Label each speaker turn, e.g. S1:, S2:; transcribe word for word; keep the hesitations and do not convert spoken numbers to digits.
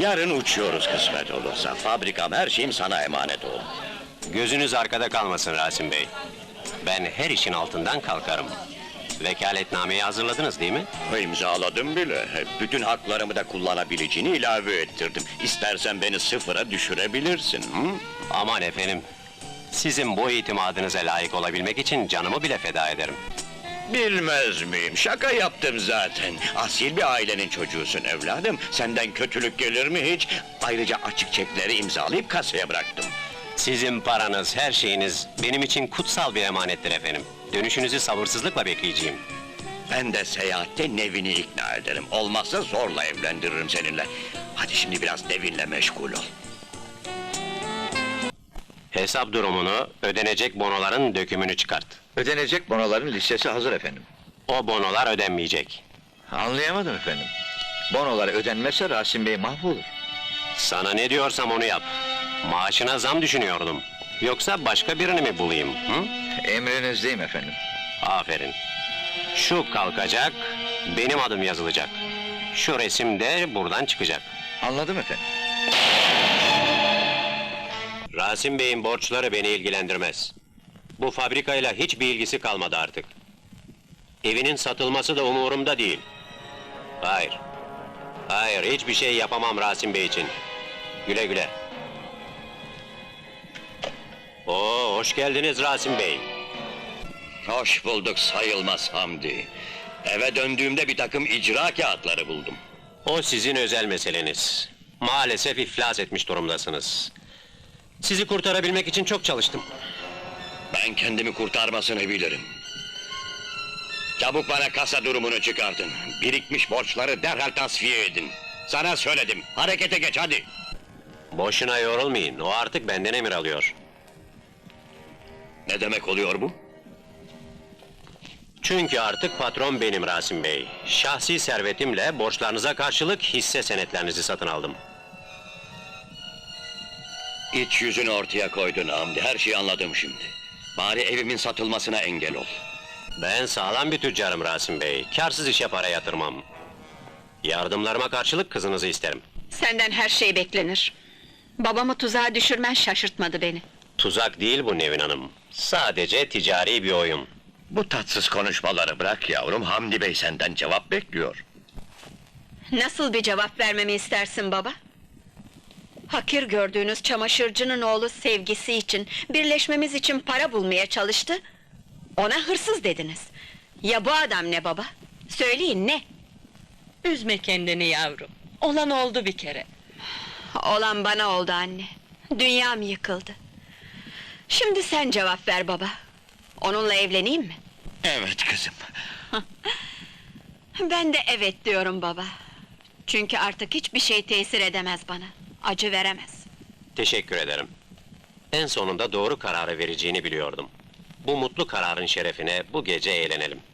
S1: Yarın uçuyoruz kısmet olursa. Fabrikam, her şeyim sana emanet oğlum.
S2: Gözünüz arkada kalmasın Rasim Bey. Ben her işin altından kalkarım. Vekaletnameyi hazırladınız değil mi?
S1: İmzaladım bile. Bütün haklarımı da kullanabileceğini ilave ettirdim. İstersen beni sıfıra düşürebilirsin. Hı?
S2: Aman efendim, sizin bu itimadınıza layık olabilmek için canımı bile feda ederim.
S1: Bilmez miyim? Şaka yaptım zaten. Asil bir ailenin çocuğusun evladım. Senden kötülük gelir mi hiç? Ayrıca açık çekleri imzalayıp kasaya bıraktım.
S2: Sizin paranız, her şeyiniz benim için kutsal bir emanettir efendim. Dönüşünüzü sabırsızlıkla bekleyeceğim.
S1: Ben de seyahatte Nevin'i ikna ederim. Olmazsa zorla evlendiririm seninle. Hadi şimdi biraz Nevin'le meşgul ol.
S2: Hesap durumunu, ödenecek bonoların dökümünü çıkart.
S3: Ödenecek bonoların listesi hazır efendim.
S2: O bonolar ödenmeyecek.
S3: Anlayamadım efendim. Bonolar ödenmezse Rasim Bey mahvolur.
S2: Sana ne diyorsam onu yap. Maaşına zam düşünüyordum. Yoksa başka birini mi bulayım? Hı?
S3: Emrinizdeyim efendim.
S2: Aferin. Şu kalkacak, benim adım yazılacak. Şu resim de buradan çıkacak.
S3: Anladım efendim.
S2: Rasim Bey'in borçları beni ilgilendirmez. Bu fabrikayla hiçbir ilgisi kalmadı artık. Evinin satılması da umurumda değil. Hayır. Hayır, hiçbir şey yapamam Rasim Bey için. Güle güle. Oo, hoş geldiniz Rasim Bey.
S1: Hoş bulduk sayılmaz Hamdi. Eve döndüğümde bir takım icra kağıtları buldum.
S2: O sizin özel meseleniz. Maalesef iflas etmiş durumdasınız. Sizi kurtarabilmek için çok çalıştım.
S1: Ben kendimi kurtarmasını bilirim. Çabuk bana kasa durumunu çıkartın. Birikmiş borçları derhal tasfiye edin. Sana söyledim, harekete geç hadi!
S2: Boşuna yorulmayın, o artık benden emir alıyor.
S1: Ne demek oluyor bu?
S2: Çünkü artık patron benim Rasim Bey. Şahsi servetimle borçlarınıza karşılık hisse senetlerinizi satın aldım.
S1: İç yüzünü ortaya koydun Hamdi, her şeyi anladım şimdi. Bari evimin satılmasına engel ol.
S2: Ben sağlam bir tüccarım Rasim Bey. Kârsız işe para yatırmam. Yardımlarıma karşılık kızınızı isterim.
S4: Senden her şey beklenir. Babamı tuzağa düşürmen şaşırtmadı beni.
S2: Tuzak değil bu Nevin Hanım. Sadece ticari bir oyun.
S1: Bu tatsız konuşmaları bırak yavrum, Hamdi Bey senden cevap bekliyor.
S4: Nasıl bir cevap vermemi istersin baba? Hakir gördüğünüz çamaşırcının oğlu sevgisi için, birleşmemiz için para bulmaya çalıştı. Ona hırsız dediniz. Ya bu adam ne baba? Söyleyin ne?
S5: Üzme kendini yavrum. Olan oldu bir kere.
S4: Olan bana oldu anne. Dünyam yıkıldı. Şimdi sen cevap ver baba. Onunla evleneyim mi?
S1: Evet kızım.
S4: Ben de evet diyorum baba. Çünkü artık hiçbir şey tesir edemez bana. Acı veremez.
S2: Teşekkür ederim. En sonunda doğru kararı vereceğini biliyordum. Bu mutlu kararın şerefine bu gece eğlenelim.